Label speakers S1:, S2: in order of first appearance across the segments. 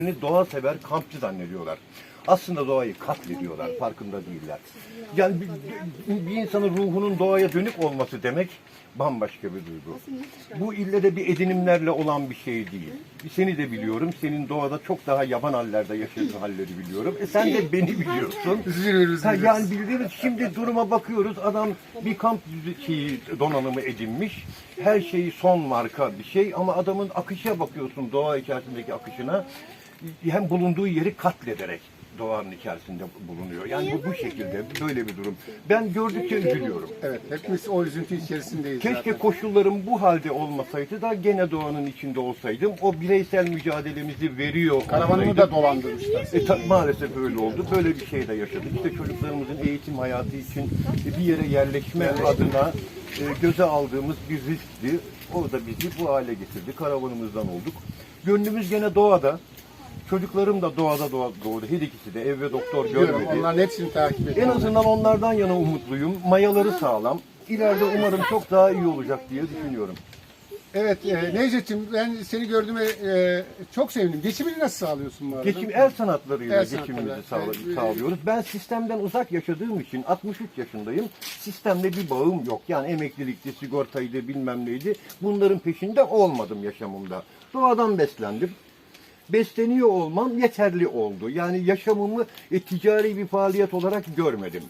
S1: Doğa sever, kampçı zannediyorlar. Aslında doğayı katlediyorlar, farkında değiller. Yani bir insanın ruhunun doğaya dönük olması demek bambaşka bir duygu. Bu ille de bir edinimlerle olan bir şey değil. Seni de biliyorum, senin doğada çok daha yaban hallerde yaşadığın halleri biliyorum. Sen de beni biliyorsun. Yani bildiğimiz şimdi duruma bakıyoruz, adam bir kamp donanımı edinmiş. Her şeyi son marka bir şey ama adamın akışa bakıyorsun, doğa içerisindeki akışına. Hem bulunduğu yeri katlederek doğanın içerisinde bulunuyor. Yani bu şekilde, böyle bir durum. Ben gördükçe üzülüyorum.
S2: Evet, hepimiz o üzüntü içerisindeyiz.
S1: Keşke
S2: zaten.
S1: koşullarım bu halde olmasaydı da gene doğanın içinde olsaydım. O bireysel mücadelemizi veriyor.
S2: Karavanını da dolandırmışlar.
S1: Maalesef öyle oldu. Böyle bir şey de yaşadık. İşte çocuklarımızın eğitim hayatı için bir yere yerleşme adına göze aldığımız bir riskti. O da bizi bu hale getirdi. Karavanımızdan olduk. Gönlümüz gene doğada. Çocuklarım da doğada doğdu. Her ikisi de ev ve doktor görmedi.
S2: Onların hepsini takip
S1: En
S2: ediyorum.
S1: azından onlardan yana umutluyum. Mayaları sağlam. İleride umarım çok daha iyi olacak diye düşünüyorum.
S2: Evet, Necdet'ciğim ben seni gördüğüme çok sevindim. Geçimini nasıl sağlıyorsun bu arada?
S1: El sanatlarıyla
S2: El
S1: geçimimizi
S2: sanatları.
S1: sağlıyoruz. Ben sistemden uzak yaşadığım için 63 yaşındayım. Sistemle bir bağım yok. Yani emeklilikti, sigortaydı, bilmem neydi. Bunların peşinde olmadım yaşamımda. Doğadan beslendim. Besleniyor olmam yeterli oldu. Yani yaşamımı ticari bir faaliyet olarak görmedim.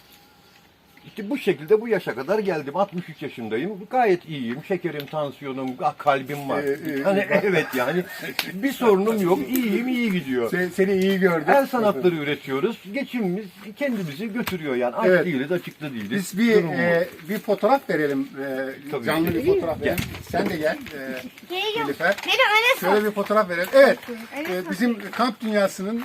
S1: İşte bu şekilde bu yaşa kadar geldim. 63 yaşındayım. Gayet iyiyim. Şekerim, tansiyonum, kalbim var. Hani evet yani bir sorunum yok. İyiyim, iyi gidiyor.
S2: Seni iyi gördüm.
S1: El sanatları üretiyoruz. Geçimimiz kendimizi götürüyor yani. Aç
S2: Evet.
S1: değiliz, açıkta değiliz.
S2: Biz bir fotoğraf verelim.
S1: Tabii.
S2: Canlı bir fotoğraf verelim. Sen de gel. Nilüfer.
S3: Benim
S2: Şöyle bir fotoğraf verelim. Evet. Bizim kamp dünyasının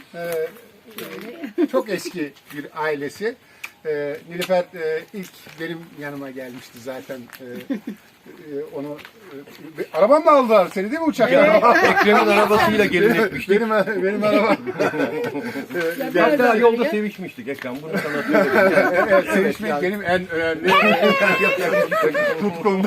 S2: çok eski bir ailesi. Nilüfer ilk benim yanıma gelmişti zaten. Onu arabam mı aldılar seni değil mi uçakla?
S1: Ekrem'in arabasıyla gelin etmiştik.
S2: benim arabam.
S1: Hatta yolda sevişmiştik Ekrem. Bunu sana söyleyeyim.
S2: Evet, sevişmek benim en önemli tutkum.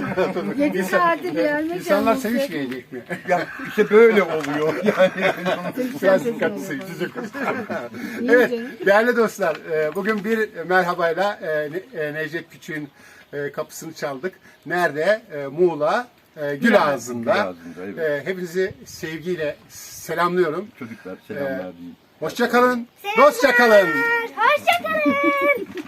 S2: İnsanlar sevişmeyecek mi?
S1: Ya işte böyle oluyor. Yani
S2: Biraz dikkatli sevişecek. Evet, değerli dostlar, bugün bir merhabayla Necdet Küçük'ün kapısını çaldık. Nerede? Muğla, Gülağızı'nda.
S1: Gülağızı'nda, evet.
S2: Hepinizi sevgiyle selamlıyorum.
S1: çocuklar selamlar diyeyim.
S2: Hoşça kalın, dostça kalın.
S3: Hoşçakalın.